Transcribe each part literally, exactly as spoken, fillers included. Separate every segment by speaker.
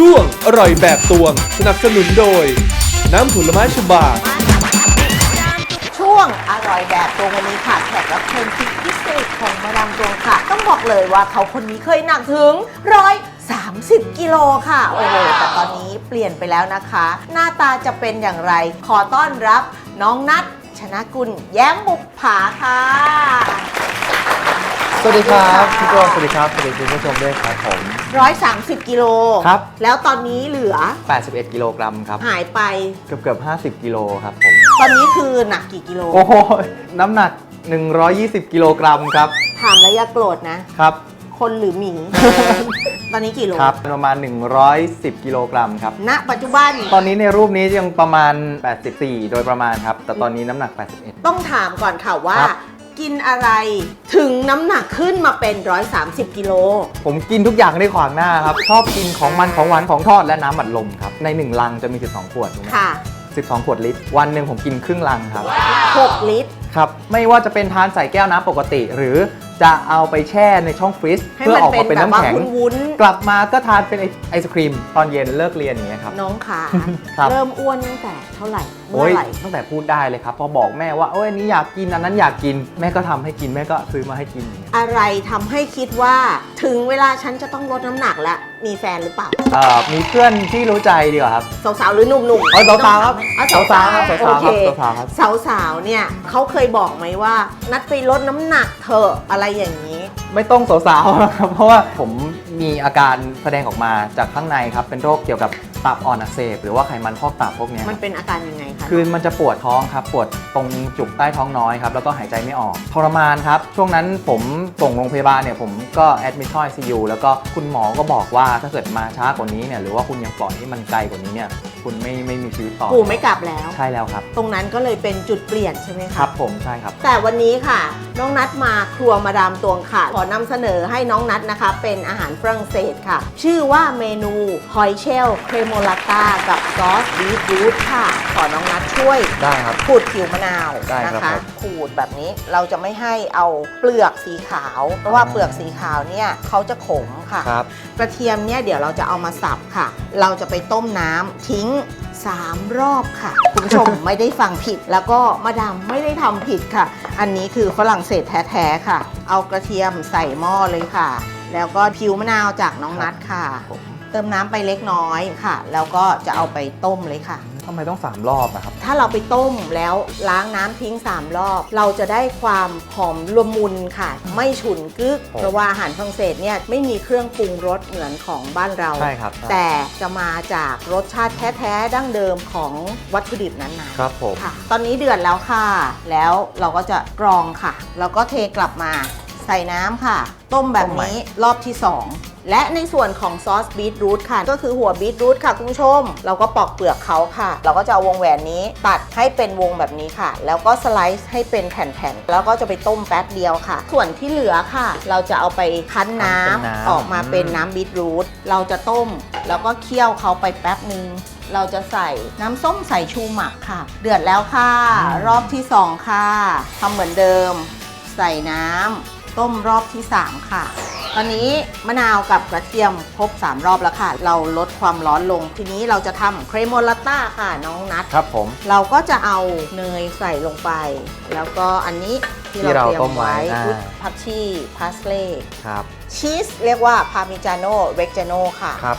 Speaker 1: ช่วงอร่อยแบบตวงสนับสนุนโดยน้ำผลไม้ฉบา
Speaker 2: ช่วงอร่อยแบบตวงวันนี้ค่ะแขกรับเชิญพิเศษของมาดามตวงค่ะต้องบอกเลยว่าเขาคนนี้เคยหนักถึงร้อยสามสิบกิโลค่ะโอ้โหแต่ตอนนี้เปลี่ยนไปแล้วนะคะ หน้าตาจะเป็นอย่างไรขอต้อนรับน้องนัทชนะกุลแย้มบุปผาค่ะ
Speaker 3: สวัสดีครับพี่โจสวัสดีครับสวัสดีคุณผู้ชมด้วยครับผม
Speaker 2: ร้อยสามสิบกิโล
Speaker 3: ครับ
Speaker 2: แล้วตอนนี้เหลือ
Speaker 3: แปดสิบเอ็ดกิโลกรัมครับ
Speaker 2: หายไป
Speaker 3: เกือบเกือบห้าสิบกิโลครับผม
Speaker 2: ตอนนี้คือหนักกี่กิโล
Speaker 3: โอ้โหน้ำหนักหนึ่งร้อยยี่สิบกิโลกรัมครับ
Speaker 2: ถามแล้วอย่าโกรธนะครับคนหรือหมี ตอนนี้กี่โล
Speaker 3: ครับประมาณหนึ่งร้อยสิบกิโลกรัมครับ
Speaker 2: ณปัจจุบัน
Speaker 3: ตอนนี้ในรูปนี้ยังประมาณแปดสิบสี่โดยประมาณครับแต่ตอนนี้น้ำหนักแปดสิบเอ็ด
Speaker 2: ต้องถามก่อนค่ะว่ากินอะไรถึงน้ำหนักขึ้นมาเป็นหนึ่งร้อยสามสิบกิโล
Speaker 3: ผมกินทุกอย่างในขวางหน้าครับชอบกินของมันของหวานของทอดและน้ำอัดลมครับในหนึ่งลังจะมีสิบสองขวดถูกไหม
Speaker 2: ค่ะ
Speaker 3: สิบสองขวดลิตรวันหนึ่งผมกินครึ่งลังครับ
Speaker 2: หกลิตร
Speaker 3: ครับไม่ว่าจะเป็นทานใส่แก้วน้ำปกติหรือจะเอาไปแช่ในช่องฟรีซเพื่อออกมาเป็นน้ำแข็งกลับมาก็ทานเป็นไอศครีมตอนเย็นเลิกเรียนอย่างเงี้ยครับ
Speaker 2: น้องขาเริ่มอ้วนตั้งแต่เท่าไหร่
Speaker 3: เมื่อไหร่ตั้งแต่พูดได้เลยครับพอบอกแม่ว่าโอ้ยอันนี้อยากกินอันนั้นอยากกินแม่ก็ทำให้กินแม่ก็ซื้อมาให้กิน
Speaker 2: อะไรทำให้คิดว่าถึงเวลาฉันจะต้องลดน้ำหนักแล้วมีแฟนหรือเปล่า
Speaker 3: เอ่อมีเพื่อนที่รู้ใจดีกว่าครับ
Speaker 2: สาวๆหรือหนุ่มๆ
Speaker 3: อ๋อสาวๆครับสาวๆครับสาวๆครับสาวๆครับ
Speaker 2: สาวๆเนี่ยเขาเคยบอกไหมว่านัดไปลดน้ำหนักเถอะอะไรอย่างนี้
Speaker 3: ไม่ต้องสาวๆนะครับเพราะว่าผมมีอาการแสดงออกมาจากข้างในครับเป็นโรคเกี่ยวกับตับอ่อนอักเสบหรือว่าไขมันพอกตับพวกนี้
Speaker 2: มันเป็นอาการยังไงคะ
Speaker 3: คือมันจะปวดท้องครับปวดตรงจุกใต้ท้องน้อยครับแล้วก็หายใจไม่ออกทรมานครับช่วงนั้นผมส่งโรงพยาบาลเนี่ยผมก็แอดมิทเข้า ไอ ซี ยู แล้วก็คุณหมอก็บอกว่าถ้าเกิดมาช้ากว่านี้เนี่ยหรือว่าคุณยังปล่อยให้มันไกลกว่านี้เนี่ยคุณไม่ไม่มีชีวิตต่อ
Speaker 2: ปู่ไม่กลับแล้ว
Speaker 3: ใช่แล้วครับ
Speaker 2: ตรงนั้นก็เลยเป็นจุดเปลี่ยนใช่ไหมคะ
Speaker 3: ครับผมใช่ครับ
Speaker 2: แต่วันนี้ค่ะน้องนัทมาครัวมาดามตวงค่ะขอนำเสนอให้น้องนัทนะคะเป็นอาหารฝรั่งเศสค่ะชื่อว่าเมนูหอยเชลล์เครโมลาต้ากับซอสบีทรูทค่ะขอน้องนัทช่วย
Speaker 3: ได้ครับ
Speaker 2: ขูดผิวมะนาวนะคะขูดแบบนี้เราจะไม่ให้เอาเปลือกสีขาวเพราะว่าเปลือกสีขาวเนี่ยเขาจะขมค่ะกระเทียมเนี่ยเดี๋ยวเราจะเอามาสับค่ะเราจะไปต้มน้ำทิ้งสามรอบค่ะคุณผู้ชม ไม่ได้ฟังผิดแล้วก็มาดามไม่ได้ทำผิดค่ะอันนี้คือฝรั่งเศสแท้ๆค่ะเอากระเทียมใส่หม้อเลยค่ะแล้วก็ผิวมะนาวจากน้องนัทค่ะเติมน้ำไปเล็กน้อยค่ะแล้วก็จะเอาไปต้มเลยค่ะ
Speaker 3: ทำไมต้องสามรอบนะครับ
Speaker 2: ถ้าเราไปต้มแล้วล้างน้ำทิ้งสามรอบเราจะได้ความหอมละมุนค่ะไม่ฉุนกึกเพราะว่าอาหารฝรั่งเศสเนี่ยไม่มีเครื่องปรุงรสเหมือนของบ้านเรา
Speaker 3: ใช่ครับ
Speaker 2: แต่จะมาจากรสชาติแท้ๆดั้งเดิมของวัตถุดิบนั้น
Speaker 3: ๆครับผม
Speaker 2: ค่ะตอนนี้เดือดแล้วค่ะแล้วเราก็จะกรองค่ะแล้วก็เทกลับมาใส่น้ำค่ะต้มแบบนี้รอบที่สองและในส่วนของซอสบีทรูทค่ะก็คือหัวบีทรูทค่ะคุณผู้ชมเราก็ปอกเปลือกเขาค่ะเราก็จะเอาวงแหวนนี้ตัดให้เป็นวงแบบนี้ค่ะแล้วก็สไลซ์ให้เป็นแผ่นๆแล้วก็จะไปต้มแป๊บเดียวค่ะส่วนที่เหลือค่ะเราจะเอาไปคั้นน้ำออกมาเป็นน้ำบีทรูทเราจะต้มแล้วก็เคี่ยวเขาไปแป๊บนึงเราจะใส่น้ำส้มสายชูหมักค่ะเดือดแล้วค่ะรอบที่สองค่ะทำเหมือนเดิมใส่น้ำต้มรอบที่สามค่ะตอนนี้มะนาวกับกระเทียมครบสามรอบแล้วค่ะเราลดความร้อนลงทีนี้เราจะทำเครโมลาต้าค่ะน้องนัท
Speaker 3: ครับผม
Speaker 2: เราก็จะเอาเนยใส่ลงไปแล้วก็อันนี้ที่เราเตรียมไว้ผักชีพาสเล่
Speaker 3: ครับ
Speaker 2: ชีสเรียกว่าพาร์มิจาโน่เรกจาโน่ค่ะ
Speaker 3: ครับ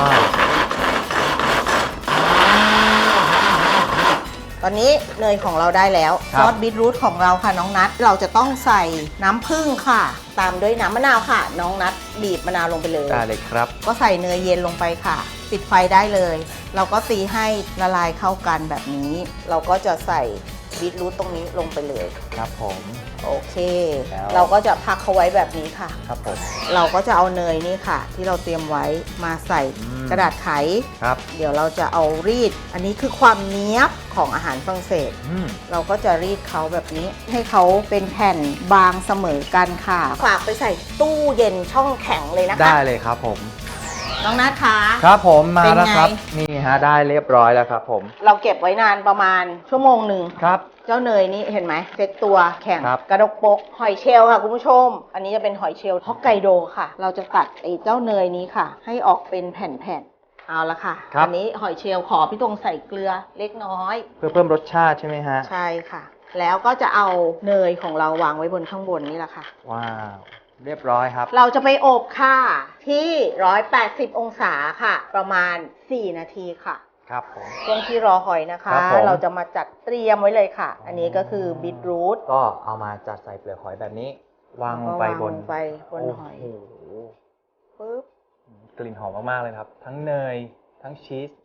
Speaker 2: ตอนนี้เนยของเราได้แล้วซอสบีทรูทของเราค่ะน้องนัทเราจะต้องใส่น้ำผึ้งค่ะตามด้วยน้ำมะนาวค่ะน้องนัทบีบมะนาวลงไปเลย
Speaker 3: ได้เลยครับ
Speaker 2: ก็ใส่เนยเย็นลงไปค่ะปิดไฟได้เลยเราก็ตีให้ละลายเข้ากันแบบนี้เราก็จะใส่บีทรูทตรงนี้ลงไปเลย
Speaker 3: ครับผม
Speaker 2: โอเคเราก็จะพักเขาไว้แบบนี้ค่ะ
Speaker 3: ครับผม
Speaker 2: เราก็จะเอาเนยนี่ค่ะที่เราเตรียมไว้มาใส่กระดาษไข
Speaker 3: ครับ
Speaker 2: เดี๋ยวเราจะเอารีดอันนี้คือความเนี้ยบของอาหารฝรั่งเศสเราก็จะรีดเขาแบบนี้ให้เขาเป็นแผ่นบางเสมอกันค่ะฝากไปใส่ตู้เย็นช่องแข็งเลยนะคะ
Speaker 3: ได้เลยครับผม
Speaker 2: น้องนัทคะ
Speaker 3: ครับผมมาแล้วครับนี่ฮะได้เรียบร้อยแล้วครับผม
Speaker 2: เราเก็บไว้นานประมาณชั่วโมงหนึ่ง
Speaker 3: ครับ
Speaker 2: เจ้าเนยนี่เห็นไหมเซ็ตตัวแข็งกระดกปกหอยเชลล์ค่ะคุณผู้ชมอันนี้จะเป็นหอยเชลล์ฮอกไกโดค่ะเราจะตัดไอ้เจ้าเนยนี้ค่ะให้ออกเป็นแผ่นเอาละค่ะ
Speaker 3: ครับ
Speaker 2: อันนี้หอยเชลล์ขอพี่ตรงใส่เกลือเล็กน้อย
Speaker 3: เพื่อเพิ่มรสชาติใช่ไหมฮะ
Speaker 2: ใช่ค่ะ แล้วก็จะเอาเนยของเราวางไว้บนข้างบนนี่แหละค่ะ
Speaker 3: ว้าวเรียบร้อยครับ
Speaker 2: เราจะไปอบค่ะที่ หนึ่งร้อยแปดสิบ องศาค่ะ ประมาณ สี่ นาทีค่ะ
Speaker 3: ครับผม
Speaker 2: ช่วงที่รอหอยนะคะ
Speaker 3: ครับผม
Speaker 2: เราจะมาจัดเตรียมไว้เลยค่ะ อันนี้ก็คือบีทรูท
Speaker 3: ก็เอามาจัดใส่เปลือกหอยแบบนี้ วางลงไปบน
Speaker 2: วางลงไปบนหอย
Speaker 3: โอ้โห
Speaker 2: ปึ๊บ
Speaker 3: กลิ่นหอมมากๆเลยครับ ทั้งเนยทั้งชีส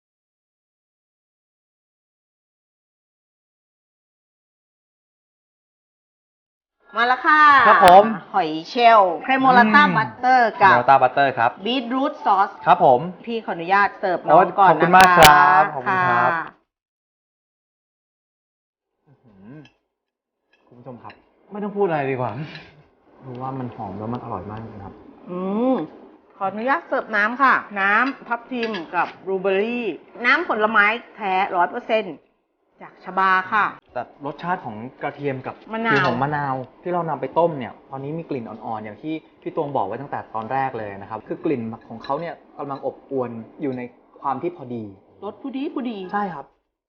Speaker 2: มาแล้วค่ะ
Speaker 3: ครับผม
Speaker 2: หอยเชลล์เครโมลาต้าบัตเตอร์กับ
Speaker 3: เนลต้าบัตเตอร์ครับ
Speaker 2: บีทรูทซอส
Speaker 3: ครับผม
Speaker 2: พี่ขออนุญาตเสิร์ฟ
Speaker 3: โอ้
Speaker 2: น้องก่อน
Speaker 3: ขอบคุ
Speaker 2: นะ
Speaker 3: ณ
Speaker 2: คะ
Speaker 3: มากครับขอบคุณครับ
Speaker 2: ค่ะ
Speaker 3: คุณผู้ชมครับ ไม่ต้องพูดอะไรดีกว่ารู้ว่ามันหอมแล้วมันอร่อยมากนะครับ
Speaker 2: อืมขออนุญาตเสิร์ฟน้ำค่ะ น้ำทับทิมกับบลูเบอร์รี่ น้ำผลไม้แท้ร้อยเปอร์เซ็นต์จากชบาค่ะ
Speaker 3: แต่รสชาติของกระเทียมกับ
Speaker 2: มะนาว
Speaker 3: กลิ่นของมะนาวที่เรานำไปต้มเนี่ยตอนนี้มีกลิ่นอ่อนๆอย่างที่พี่ตวงบอกไว้ตั้งแต่ตอนแรกเลยนะครับ คือกลิ่นของเขาเนี่ยกำลังอบอวลอยู่ในความที่พอดี
Speaker 2: รสผู้ดีผู้ดี
Speaker 3: ใช่ครับ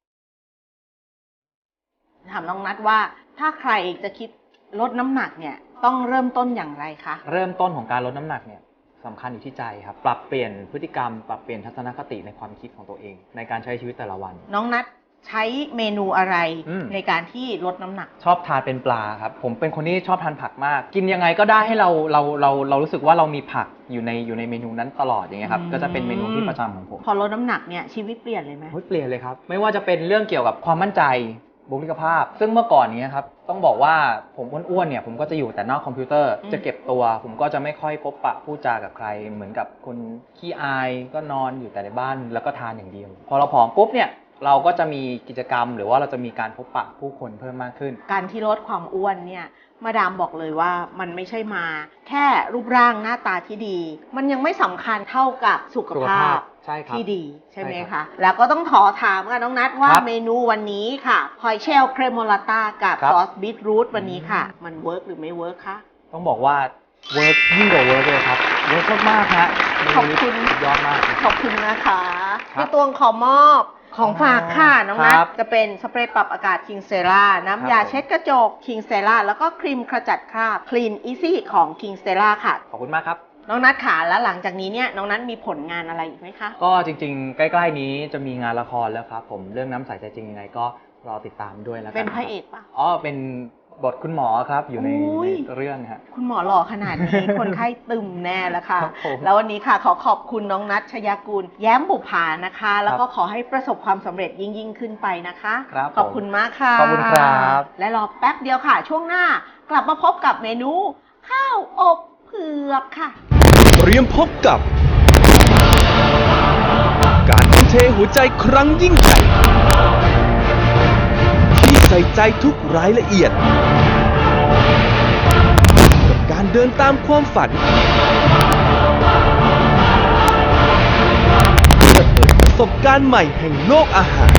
Speaker 2: ถามน้องนัทว่าถ้าใครจะคิดลดน้ำหนักเนี่ยต้องเริ่มต้นอย่างไรคะ
Speaker 3: เริ่มต้นของการลดน้ำหนักเนี่ยสำคัญอยู่ที่ใจครับ ปรับเปลี่ยนพฤติกรรม ปรับเปลี่ยนทัศนคติในความคิดของตัวเอง ในการใช้ชีวิตแต่ละวัน
Speaker 2: น้องนัทใช้เมนูอะไร
Speaker 3: อืม
Speaker 2: ในการที่ลดน้ำหนัก
Speaker 3: ชอบทานเป็นปลาครับ ผมเป็นคนที่ชอบทานผักมาก กินยังไงก็ได้ให้เราเราเราเรารู้สึกว่าเรามีผักอยู่ในอยู่ในเมนูนั้นตลอดอย่างเงี้ยครับ
Speaker 2: อืม
Speaker 3: ก็จะเป็นเมนูที่ประจำของผม
Speaker 2: พอลดน้ำหนักเนี่ยชีวิตเปลี่ยนเลยไหม
Speaker 3: เฮ้ยเปลี่ยนเลยครับ ไม่ว่าจะเป็นเรื่องเกี่ยวกับความมั่นใจบุคลิกภาพ ซึ่งเมื่อก่อนนี้ครับต้องบอกว่าผมอ้วนๆเนี่ยผมก็จะอยู่แต่นอกคอมพิวเตอร์
Speaker 2: อืม
Speaker 3: จะเก็บตัว ผมก็จะไม่ค่อยพบปะพูดจากับใคร เหมือนกับคนขี้อายก็นอนอยู่แต่ในบ้านแล้วก็ทานอย่างเดียว พอเราผอมปุ๊บเนี่ยเราก็จะมีกิจกรรม หรือว่าเราจะมีการพบปะผู้คนเพิ่มมากขึ้น
Speaker 2: การที่ลดความอ้วนเนี่ยมาดามบอกเลยว่ามันไม่ใช่มา แค่รูปร่างหน้าตาที่ดี มันยังไม่สำคัญเท่ากับสุข
Speaker 3: สุข
Speaker 2: ภา
Speaker 3: ภา
Speaker 2: พ
Speaker 3: พใช่ครับ
Speaker 2: ที่ดีใช่ไหม
Speaker 3: ใช่ครั
Speaker 2: คะ
Speaker 3: บ
Speaker 2: แล้วก็ต้องขอถามค่ะน้องนัทว่า
Speaker 3: ครับ
Speaker 2: เมนูวันนี้ค่ะหอยเชลล์เครโมลาต้ากับ
Speaker 3: ครับ
Speaker 2: ซอสบีทรูทวันนี้ค่ะ มันเวิร์กหรือไม่เวิร์กคะ
Speaker 3: ต้องบอกว่าเวิร์กยิ่งกว่าเวิร์กเลยครับเวิร์กมากๆฮะ
Speaker 2: ขอบคุณ
Speaker 3: เมนูนี้สุดยอดมาก
Speaker 2: ขอบคุณนะคะ
Speaker 3: ครับ
Speaker 2: พี่ตวงขอมอบของฝากค่ะน้องนัท
Speaker 3: ครับ
Speaker 2: จะเป็นสเปรย์ปรับอากาศคิงเซราน้ำยา
Speaker 3: ครับผม
Speaker 2: เช็ดกระจกคิงเซราแล้วก็ครีมขจัดคราบ Clean Easy ของคิงเซราค่ะ
Speaker 3: ขอบคุณมากครับ
Speaker 2: น้องนัทขาแล้วหลังจากนี้เนี่ยน้องนัทมีผลงานอะไรอีกไหมคะ
Speaker 3: ก็จริงๆ ใกล้ๆนี้จะมีงานละครแล้วครับผมเรื่องน้ำใสใจจริงยังไงก็รอติดตามด้วยแล้วกัน
Speaker 2: เป็นพระเอกปะ
Speaker 3: อ๋อเป็นบทคุณหมอครับอยู่ใน
Speaker 2: อุ้ย
Speaker 3: ในเรื่องฮะ
Speaker 2: คุณหมอหล่อขนาดนี้ คนไข้ตึมแน่แล้วค่ะ
Speaker 3: ครับผม
Speaker 2: แล้ววันนี้ค่ะขอขอบคุณน้องนัทชยากูล แย้มบุภานะคะ แล้วก็ขอให้ประสบความสำเร็จยิ่งยิ่งๆขึ้นไปนะคะ
Speaker 3: ครับ
Speaker 2: ขอบคุณมากค่ะ
Speaker 3: ขอบคุณครับ
Speaker 2: และรอแป๊บเดียวค่ะ ช่วงหน้ากลับมาพบกับเมนู ข้าวอบเผือกค่ะ
Speaker 1: เตรียมพบกับ การทุ่มเทหัวใจครั้งยิ่งใหญ่ที่ใส่ใจทุกรายละเอียด กับการเดินตามความฝันเพื่อเปิดประสบการณ์ใหม่แห่งโลกอาหาร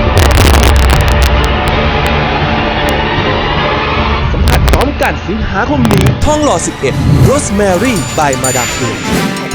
Speaker 1: สัมผัสพร้อมกันสิงหาคมนี้ท่องหล่อสิบเอ็ด Rosemary by มาดามฟิน